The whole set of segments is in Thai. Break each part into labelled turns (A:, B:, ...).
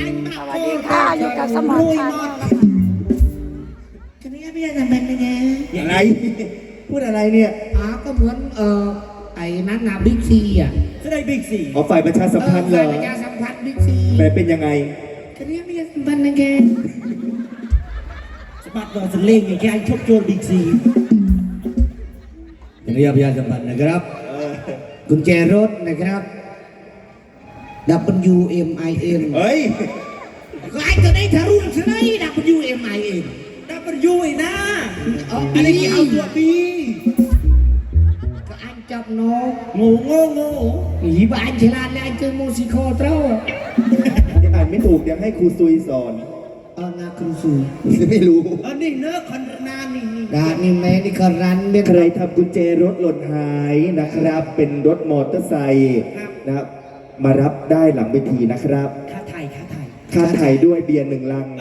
A: สวัสดีค่ะอยู่กับสมอนชาแนลนะคะ
B: จะไม่ได้ทำเป็นยังไง
C: อย่างไรพูดอะไรเนี่ย
B: ก็เหมือนไอ้นั้นนะบิ๊กซีอ่ะ
C: ก็ได้บิ๊กซีอ๋อฝ่ายประชาสัมพันธ์เหรอ
B: ประชาสัมพันธ์บิ๊กซี
C: แต่เป็นยังไง
B: จะไม่ได้ทำเป็นยังไง
C: สมัครเราจะเล่งอย่างแค่ชกโจรบิ๊กซีอย่างนี้ประชาสัมพันธ์นะครับ
B: กุญแจรถนะครับ WMIN
C: เฮ้ย
B: ก็ไอ้ตัวนี้ทะลุใช่ไหม WMIN
C: W ไอ้นะอันนี้เอาตัวบี
B: ก็อันจับน้อง
C: โง่
B: อีบ้านฉลาดเลยอันเจอโมซิโคเต้า
C: อ่านไม่ถูกอยากให้ครูซุยสอน
B: นาครูซู
C: ไม่รู้นี่เนื้อคอนนานี่
B: นี่แม่นี่ก็รัน
C: ใครทำกุญแจรถหล่นหายนะครับ เป็นรถมอเตอร์ไซค์นะครับมารับได้หลังเวทีนะครับ
B: ค่าไ
C: ถ่ายด้วยเบียร์1 ลัง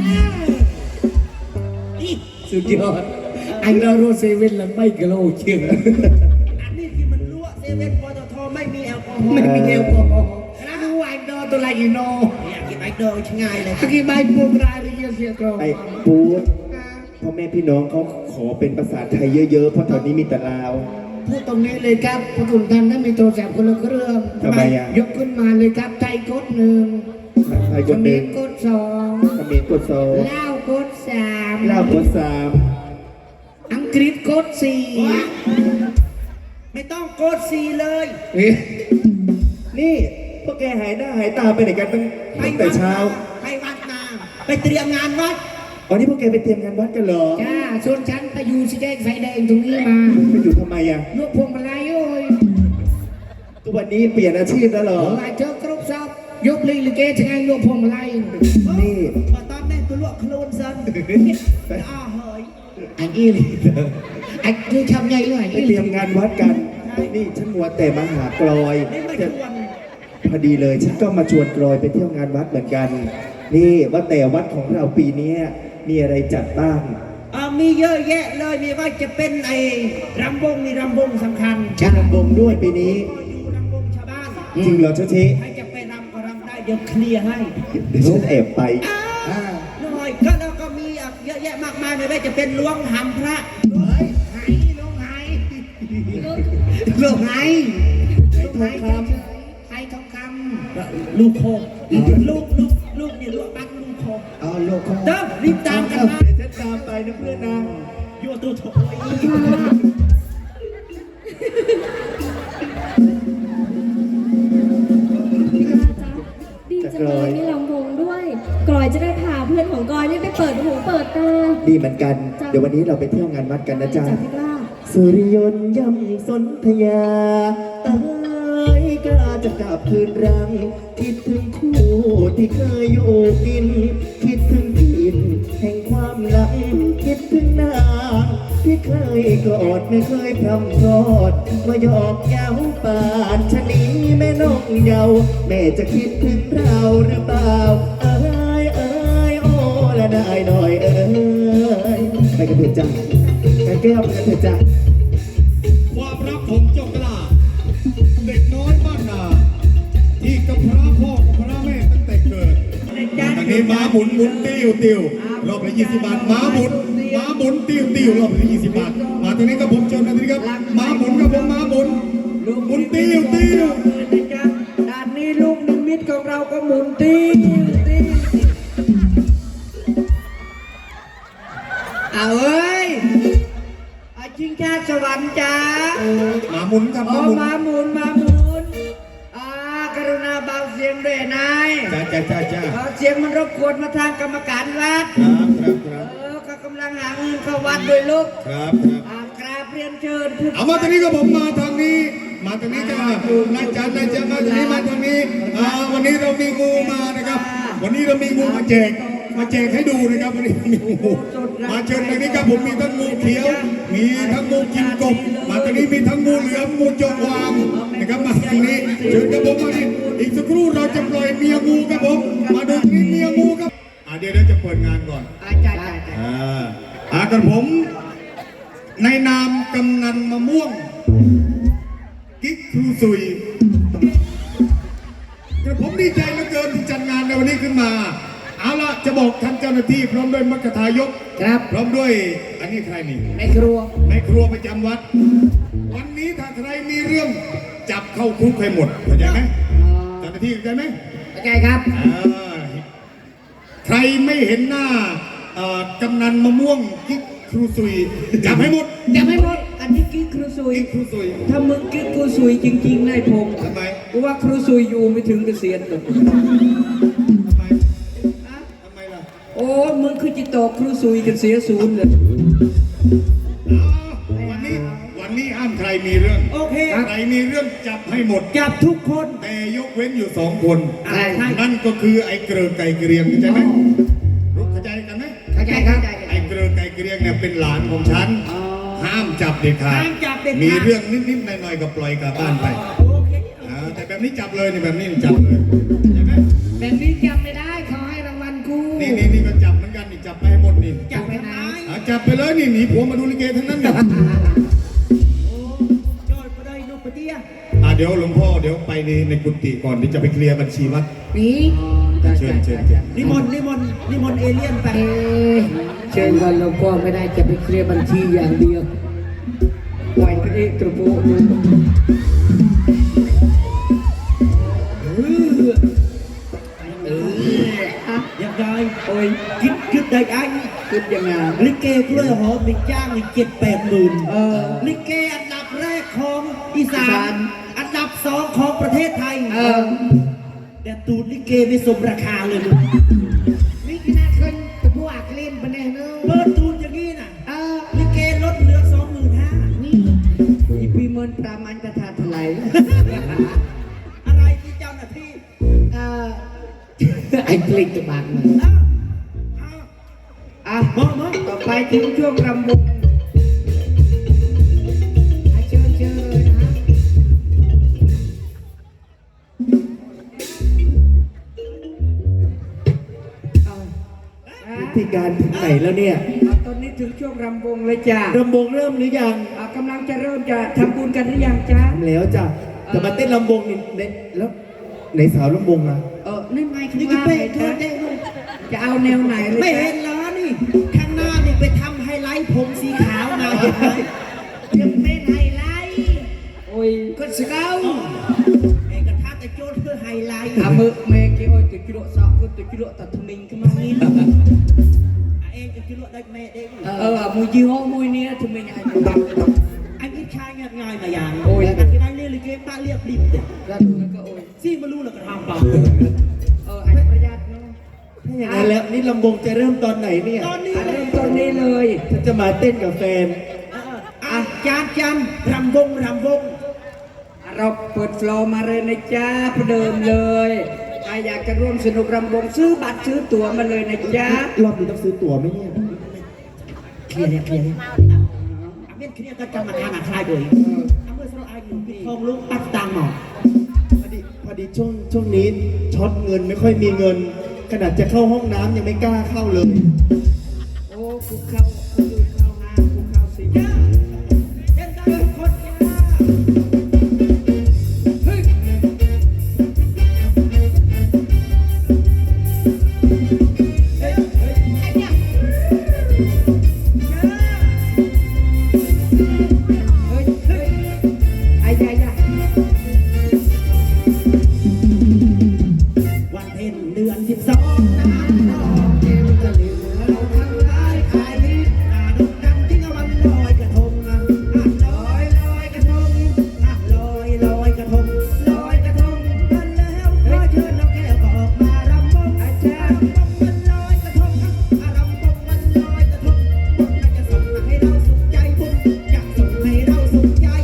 C: สุดยอด
B: อันเราโรเซเว่นแล้วไม่กระโลเชียง
C: อันนี้คือมันรั่วเซเว่นปตทไม่มีแอลกอฮอล์
B: ไม่มีแอลกอฮอล์แล้วดูไอโดตัวอะไรอีโน่
C: อยากกินไอโดง่ายเลย
B: กินใบปูกรายเลยเสียกรอ
C: ไอปูพ่อแม่พี่น้องเขาขอเป็นภาษาไทยเยอะๆเพราะตอนนี้มีแต่ลาว
B: พูดตรงนี้เลยครับพระคุณท่านถ้ามีโทรศัพท์คนละเครื่อง
C: ทำไมอ่ะ
B: ยกขึ้นมาเลยครับไทยกด1
C: ไทยกด
B: 1กด2
C: เขมรกด2
B: ลาวกด3
C: ลาวกด
B: 3อังกฤษกด4ไม่ต้องกด4เลย
C: นี่พวกแกหายหน้าหายตาไปไหนกันตั้งแต่เช้า
B: ไปวัดมาไปเตรียมงานวัด
C: วันนี้พวกแกไปเตรียมงานวัดกันเหรอ
B: จ้าส่วนฉันไปอยู่สีแดงไฟแดงตรงนี้มา
C: ไปอยู่ทำไมอ่ะ
B: ลวกพวงมาลัยโอ้ย
C: ทุกวันนี้เปลี่ยนอาชีพแล้วเหรอ
B: มาเจอกรุ๊ปซับยกลีลิเกชไงลวกพวงมาลัย
C: นี่
B: มาตอนนี้ตัวลวกโคลนซันเฮ้ยอันนี้ไอ้คือทำไงเลย
C: ไปเตรียมงานวัดกันนี่ฉันมัวแต่มาหากลอยพอดีเลยฉันก็มาชวนกลอยไปเที่ยวงานวัดเหมือนกันนี่ว่าแต่วัดของเราปีนี้มีอะไรจัดบ้าง
B: มีเยอะแยะเลยมีว่าจะเป็นไอ้รำวงนี่รำวงสำคัญ
C: รำวงด้วยปีนี้
B: รำวงชาวบ้าน
C: จริงเหรอเจ้าชี
B: ใครจะไปรำก็รำได้เดี๋ยวเคลียร์ให้
C: เดี๋ยวฉันแอบไป
B: หน่อยก็แล้วก็มีเยอะแยะมากมายไม่ว่าจะเป็นล้วงหำพระไหล้วงไหล้วงไห
C: ทองคำ
B: ไทยทองคำลูกโคลูกเนี่ยลูกปักลูกโคลูกโคเด้อรีบตามกันมา
C: เดี๋ยวฉันตามไปนะเพื่อนนะ
B: ยั่วตัวโถย
A: ดีจังเลยมีลำวงด้วยกลอยจะได้พาเพื่อนของกลอยนี่ไปเปิดหูเปิดตา
C: ดีเหมือนกันเดี๋ยววันนี้เราไปเที่ยวงานวัดกันนะจ๊ะสุริยนต์ย่ำสนธยากล้าจะกลับคืนรังคิดถึงคู่ที่เคยอยู่กินคิดถึงกินแห่งความหลังคิดถึงนางที่เคยกอดไม่เคยพร่ำพรอดมาหยอกเย้าปานชะนีแม่นกเยาแม่จะคิดถึงเราหรือเปล่าเอ้ยโอ้ละนายหน่อยเอ้ยไปกันเถิดจ้ะไปแก้วไปกันเถิดจ้ะ
D: ความรักของเจ้ากล้าเด็กน้อยบ้านนาที่กับพระพ่อกับพระแม่ตั้งแต่เกิดอันนี้ม้าหมุนติ้วรอบละ20 บาทม้าหมุนติ้วรอบละ20 บาทมาตรงนี้กับผมเชิญมาตรงนี้ครับม้าหมุนกับผมม้าหมุนติ้ว
B: ด้านนี้ลูกนิมิตของเราก็หมุนติ้วเอาเอ้ยชิงชาสวรรค์จ้า
D: ม้าหมุนครับ
B: ม้าหมุนกรุณาเบาเสียงด้วยนาย
D: จ้า
B: เสียงมันรบกวนมาทางกรรมการวัดก็กำลังหาเงินเข้าวัดด้วยลูกกราบเรียนเชิญ
D: เอามาตรงนี้ก็ผมมาทางนี้จ้านายจันมาทางนี้มาทางนี้วันนี้เรามีงูมานะครับวันนี้เรามีงูมาแจกให้ดูนะครับวันนี้มีงูมาเชิญทางนี้ครับผมมีทั้งงูเขียวมีทั้งงูกินกบมาทางนี้มีทั้งงูเหลือมงูจงวางนะครับมาทางนี้เชิญครับผมมาดิอีกสักครู่เราจะปล่อยเมียงูครับผมมาดูนี่เมียงูครับเดี๋ยวจะเปิดงานก่อนกับผมในนามกำนันมะม่วงกิ๊กครูซุยกระผมดีใจเหลือเกินที่จัดงานในวันนี้ขึ้นมาเอาละจะบอกท่านเจ้าหน้าที่พร้อมด้วยมัคคทายก
B: ครับ
D: พร้อมด้วยอันนี้ใครนี่
B: ในครัว
D: ในครัวประจำวัด วันนี้ถ้าใครมีเรื่องจับเข้าคุกให้หมดเข้าใจไหมเจ้าหน้าที่เข้าใจไหม
B: เข้าใจครับ
D: ใครไม่เห็นหน้า กำนันมะม่วงกิ๊กครูซุยจับให้หมด
B: จะไม่หมด อันนี้กิ๊กครูซุย
D: กิ๊กครูซุย
B: ถ้ามึงกิ๊กครูซุยจริงๆนายพงศ์
D: ทำไม
B: กูว่าครูซุยอยู่ไม่ถึงเกษียณหรอก
D: ทำไมทำไมล่ะ
B: โอ้มึงคือจิตโตครูซุยกันเสียศูนย์เลย
D: วันนี้ห้ามใครมีเรื่อง
B: โอเค
D: ใครมีเรื่องจับให้หมด
B: จับทุกคน
D: แต่ยกเว้นอยู่2 คน
B: ใช่
D: นั่นก็คือไอ้เกลือไก่เกรียงเข้าใจไหมรู้เข้าใจกันไหม
B: เข้าใจครับ
D: ไอ้เกลือไก่เกรียงเนี่ยเป็นหลานของฉัน ห้ามจับเด็ดขาด
B: ห้ามจับเด็ดขาด
D: มีเรื่องนิดๆหน่อยๆก็ปล่อยกลับบ้านไป
B: โอเค
D: แต่แบบนี้จับเลยนี่แบบนี้จับเลยใช่ไหม
B: แบบนี้จับไม่ได้เขาให้รางวัลกู
D: นี่ก็จับเหมือนกันนี่จับไปให้หมดนี่
B: จับไปไหน
D: จับไปเลยนี่หนีผัวมาดูลิเกทั้งนั้นเนี่ย
B: โอ้ยอดไปได้นกปะเตี้ย
D: เดี๋ยวหลวงพ่อเดี๋ยวไปในกุฏิก่อนที่จะไปเคลียร์บัญชีวัด
B: นี่
D: เชิญ
B: นิมนต์เอเลี่ยนไปเชิญวันหลวงพ่อไม่ได้จะไปเคลียร์บัญชีอย่างเดียวปล่อยไปเอกกระโปงยังไงโอ้ยคิดได้ไอ้คิดยังไงลิเกกล้วยหอมมีจ้างอีก7-8 หมื่นลิเกอันดับแรกของอีสานอันดับ2ของประเทศไทยแต่ตูดลิเกไม่สมราคาเลยลูกนี่ขนาดคนกระพวกเล่นปะเนี่ยเนอะตูดอย่างนี้น่ะลิเกลดเหลือ25,000นี่อีพีเมินปรามันจะทาทลายอะไรที่เจ้าหน้าที่ไอ้กลิ่นจะบางเลยมองต่อไปถึงช่วงรำวงเชิญเลยนะ
C: พิธีการถึงไหนแล้วเนี่ย
B: ตอนนี้ถึงช่วงรำวงเลยจ้าร
C: ำวงเริ่มหรือยัง
B: กำลังจะเริ่มจะทำบุญกันหรือยังจ้า
C: ทำแล้วจ้ะจะมาเต้นลำวงนี่แล้วไหนสาวลำวงอ่ะ
B: นั่นไงนี่ก็เป๊ะเธอได้เลยจะเอาแนวไหนเลยไม่เห็นเหรอนี่ข้างหน้านี่ไปทำไฮไลท์ผมสีขาวมายังเป็นไฮไลท์โอ้ยก็สเกาไอ้กระทะแต่โจทย์เพื่อไฮไลท์มือเมย์กี่โอ้ยติดกิโลสองก็ติดกิโลตัดทมิงขึ้นมานี่เองจะกิโลได้เมย์เองมวยยี่ห้อมวยเนี้ยทมิงไอ้อันนี้ชายง่ายมาอย่างโอ้ยอันนี้ได้เรียกเกมบ้านเรียบริบเด็ดแล้วดูแล้วก็โอ้ยซี่มารู้แล้วก็ทำเปล่าไอ้ประหยัดเนาะ
C: ถ้าอย่างนั้นแล้วนี่ลำวงจะเริ่มตอนไหนเนี่ย
B: ตอนนี้เริ่มตอนนี้เลย
C: ฉันจะมาเต้นกับแฟน
B: จานรำวงเราเปิดฟลอร์มาเลยนะจ๊ะประเดิมเลยใครอยากจะร่วมสนุกรำวงซื้อบัตรซื้อตั๋วมาเลยนะจ๊ะ
C: รอบนี้ต้องซื้อตั๋วไหมเนี่ย
B: เคลียร์เคลียร์เคลียร์ก็จะมาทานอาคายโดยเมื่อเราอายุปิดทองลุกตัดตังหมอ
C: พอดีช่วงนี้ช็อตเงินไม่ค่อยมีเงิน ขนาดจะเข้าห้องน้ำยังไม่กล้าเข้าเลย
B: โอ้คุกเข้าห้างคุกเข้าสิจ้าเล่นได้คนจ้าเฮ้ยวันเพ็ญเดือน12น้ำนองเกมตะลิวเราทั้งหลายขายมิตรดกดันที่วันลอยกระทงลอยกระทงลอยกระทงกันแล้วขอเชิญน้องแก้วก็ออกมารำวงอาจารย์มันลอยกระทงรำวงมันลอยกระทงบุญจะส่งให้เราสุขใจบุญจะส่งให้เราสุขใจ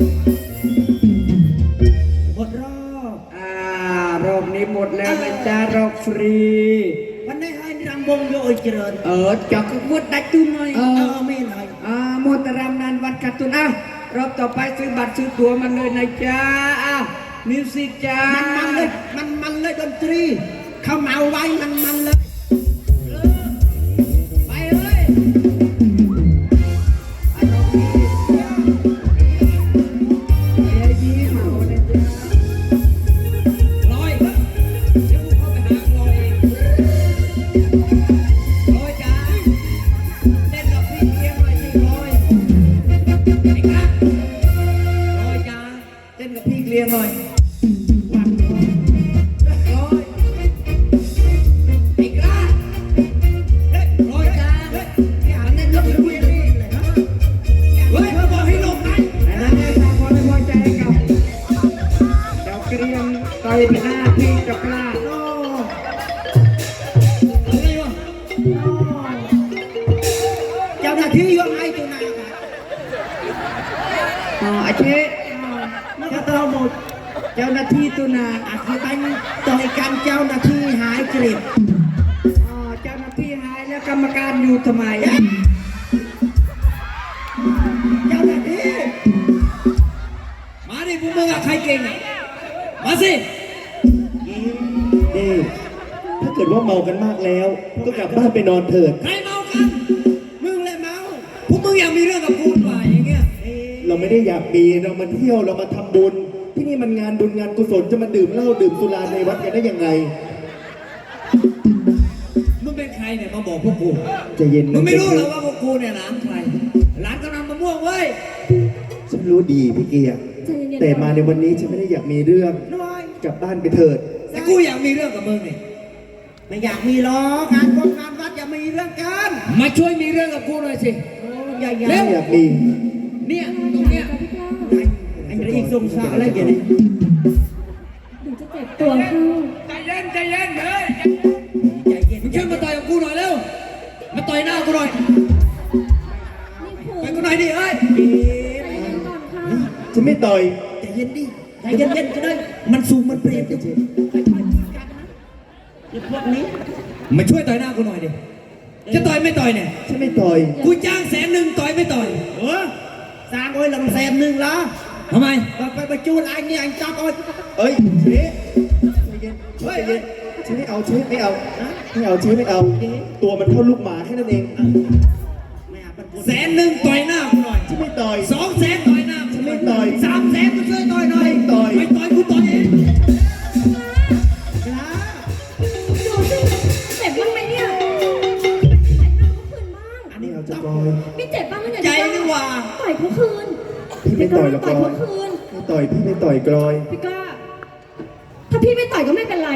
B: หมดรอบรอบนี้หมดแล้วนะจ๊ะรอบฟรีวันนี้ให้รำวงโยยเจริญจักรวุฒิได้ตุ้นหน่อยไม่หน่อยโมตรำนานวัดกัตุนรอบต่อไปซื้อบัตรซื้อตั๋วมันเลยนะจ๊ะมิวสิกจ้ามันเลยดนตรีเขาเมาไว้มันเลยไปเลยลอยเดี๋ยวเข้าไปหาลอยเจ้าหน้าที่ตุนาอาจจะตั้งต่อยกันเจ้าหน้าที่หายเกลียดอ๋อเจ้าหน้าที่หายแล้วกรรมการอยู่ทำไมอะเจ้าหน้าที่มาดิพวกมึงอะใครเก่งอะมาสิ
C: นี่ถ้าเกิดว่าเมากันมากแล้ว ก็กลับบ้านไปนอนเถิด
B: ใครเมากันมึงแหละเมาพวกมึงอยากมีเรื่องกับกูหน่อยอย่างเงี้ย
C: เราไม่ได้อยากมีเรามาเที่ยวเรามาทำบุญ ที่นี่มันงานบุญงานกุศลจะมาดื่มเหล้าดื่มสุราในวัดกันได้ยังไง
B: มึงเป็นใครเนี่ยมาบอกพวกกู
C: ใจเย็น
B: มึงไม่รู้เหรอว่าพวกกูเนี่ยหลานใครหลานกำลังมะม่วงเว้ย
C: ฉันรู้ดีพี่เกียร์
A: ใจเย็นๆ
C: แต่มาในวันนี้ฉันไม่ได้อยากมีเรื่อง
B: น้อย
C: กลับบ้านไปเถิด
B: แต่กูอยากมีเรื่องกับมึงเนี่ยไม่อยากมีหรอกงานบุญงานวัดอย่ามีเรื่องกันมาช่วยมีเรื่องกับกูหน่อยสิอย่า
C: ไม่อยากมี
B: เนี่ยตรงเนี้ยไอ้อีกทรงสาวอะไรเกี่ยเนี่ย
A: เดี๋ยวจะเจ็บตัวเข้า
B: ใจเย็นเลยใจเย็นมึงขึ้นมาต่อยกับกูหน่อยเร็วมาต่อยหน้ากูหน่อย
A: นี่คุณ
B: ไปกูหน่อยดิเอ้ย
A: ใจเย็นก่อนค่ะ
C: ฉันไม่ต่อย
B: ใจเย็นดิใจเย็นก็ได้มันสูงมันเปลี่ยนจะพวกนี้มาช่วยต่อยหน้ากูหน่อยดิจะต่อยไม่ต่อยเนี่ย
C: ฉันไม่ต่อย
B: กูจ้าง100,000ต่อยไม่ต่อยสร้างโอ้ย100,000ละทำไมไปจูนไอ้นี่ไอ้จับโอ้ย
C: เอ้ยเชฟใจเย็นใจเย็นเชฟไม่เอาเชฟไม่เอาไม่เอาเชฟไม่เอา ตัวมันเท่าลูกหมาแค่นั้นเอง
B: 100,000ต่อยหน้ากูหน่อย
C: ฉันไม่ต่อย
B: 200,000ต่อยหน้า
C: ฉันไม่ต่อย
B: 300,000กูช่วยต่อยหน่อย
C: ไม่ต่อย
B: ไม่ต่อยกูต่อยเอง
A: ดูสิเจ็บบ้างไหมเนี่ยไหนหน้าเขาคืนบ้าง
C: ไม่เอาจะกอย
A: พี่เจ็บบ้างไหมเนี่ย
B: ใจนี่หว่า
A: ต่อยเขาคืน
C: พี่ไม่ต่อยหรอกก
A: ต่อย
C: อย
A: เขาคืน
C: ไม่ต่อยพี่ไม่ต่อยกลอย
A: พี่ก้าถ้าพี่ไม่ต่อยก็ไม่เป็นไร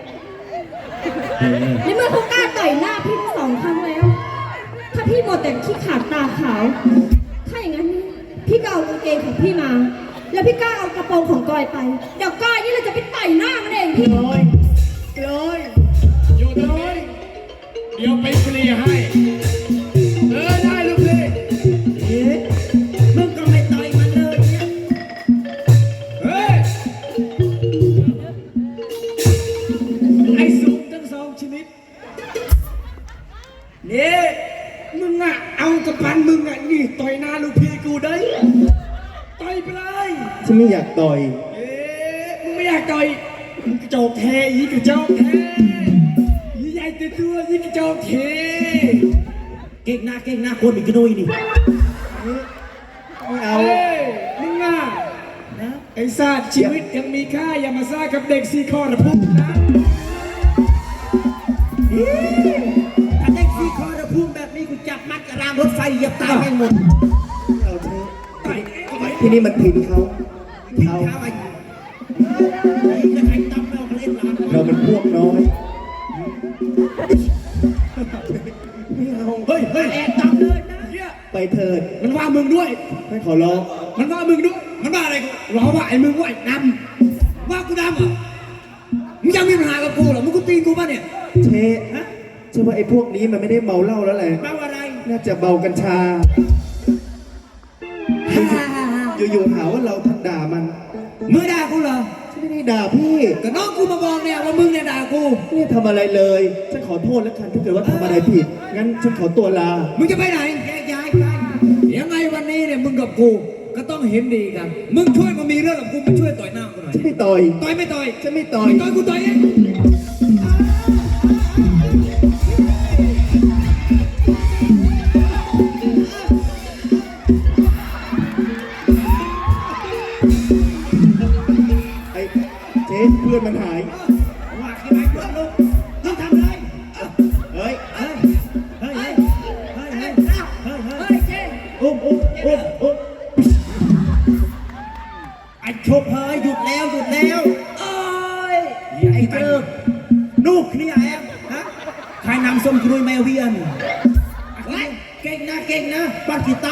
A: ในเมื่อเขากล้าต่อยหน้าพี่ทั้ง2 ครั้งแล้ว ถ้าพี่หมดแต่ขี้ขาดตาขาว ถ้าอย่างนั้นพี่ก็เอากางเกงของพี่มา แล้วพี่ก้าเอากระโปรงของกอยไป เดี๋ยวกอยนี่เราจะไปต่อยหน้ามันเองพี่
C: กลอยกลอย
D: อยู่ตรงนี้เดี๋ยวไปเคลียร์ให้ได้ลูกพี่
B: มึงก็ไม่ต่อยมันเลยเนี่ย
D: เฮ้ยไอ้สูงทั้ง2 ชนิด
B: นี่มึงอ่ะเอากระปันมึงอ่ะนี่ต่อยหน้าลูกพี่กูได้ต่อยไปเลย
C: ฉันไม่อยากต่อย
B: มึงไม่อยากต่อยมึงกระจอกแท้ยี่กระจอกแท้ยี่ใหญ่ตัวยี่กระจอกแท้เก่งหน้าคนอีกกระดุยนี่
C: ไม่เอา
D: เฮ้ยมึงอ่ะไอ้สัตว์ชีวิตยังมีค่าอย่ามาซ่ากับเด็ก4 ข้อนะพวกนะ
B: ถ้าเด็ก4 ข้อระพุ่งแบบนี้กูจับมัดกับรางรถไฟเหยียบตายแม่งหมด
C: ไม่เอาเชฟ
B: ต่อยเอาไป
C: ที่นี่มันถิ่นเขา
B: ทิ้ง
C: เขา
B: เท้าไอ้นี่ก็ใครตั้มเราเล่นหลาน
C: เรามันพวกน้อยไม่เอา
B: เฮ้ยแอบตั้มเลยนะ
C: ไปเถิด
B: มันว่ามึงด้วย
C: ไม่ขอร้อง
B: มันว่ามึงด้วย มันว่าอะไรกูล้อว่าไอ้มึงว่าไอ้ดำว่ากูดำเหรอมึงยังมีปัญหากับกูเหรอ มึงกูตีกูป่ะเนี่ย
C: เชฟเชื่อว่าไอ้พวกนี้มันไม่ได้เมาเหล้าแล้วแหละ
B: เมาอะไร
C: น่าจะเมากัญชา อยู่ๆหาว่าเราด่ามัน
B: มึงด่ากูเหรอ
C: ฉันไม่ได้ด่าพี่
B: ก็น้องกูมาบอกเนี่ยว่ามึงเนี่ยด่ากู
C: ไม่ได้ทำอะไรเลย ฉันขอโทษแล้วกันถ้าเกิดว่าทำอะไรผิด งั้นฉันขอตัวลา
B: มึงจะไปไหนแยกย้ายไปยังไงวันนี้เนี่ยมึงกับกูก็ต้องเห็นดีกัน มึงช่วยมามีเรื่องกับกูมาช่วยต่อยหน้ากูหน่อย
C: ฉันไม่ต่อย
B: ต่อยไม่ต่อย
C: ฉันไม่ต่อย
B: ไม่ต่อยกูต่อยเอง
C: ไอ้เชฟเพื่อนมันหาย
B: ว่าที่ไหนเพื่อนลูกมึงทำอะไร
C: เฮ้ย
B: เฮ้ยเฮ้ยเฮ้ยเฮ้ยเฮ้ยเฮ้ยเจ๊
C: อุ้ม
B: ไอ้ชบเฮ้ยหยุดแล้วโอ้ยไอ้เจิกนูกนี่แอบฮะใครนำส้มกรุยแมวเวียนเก่งนะบ้านกีตา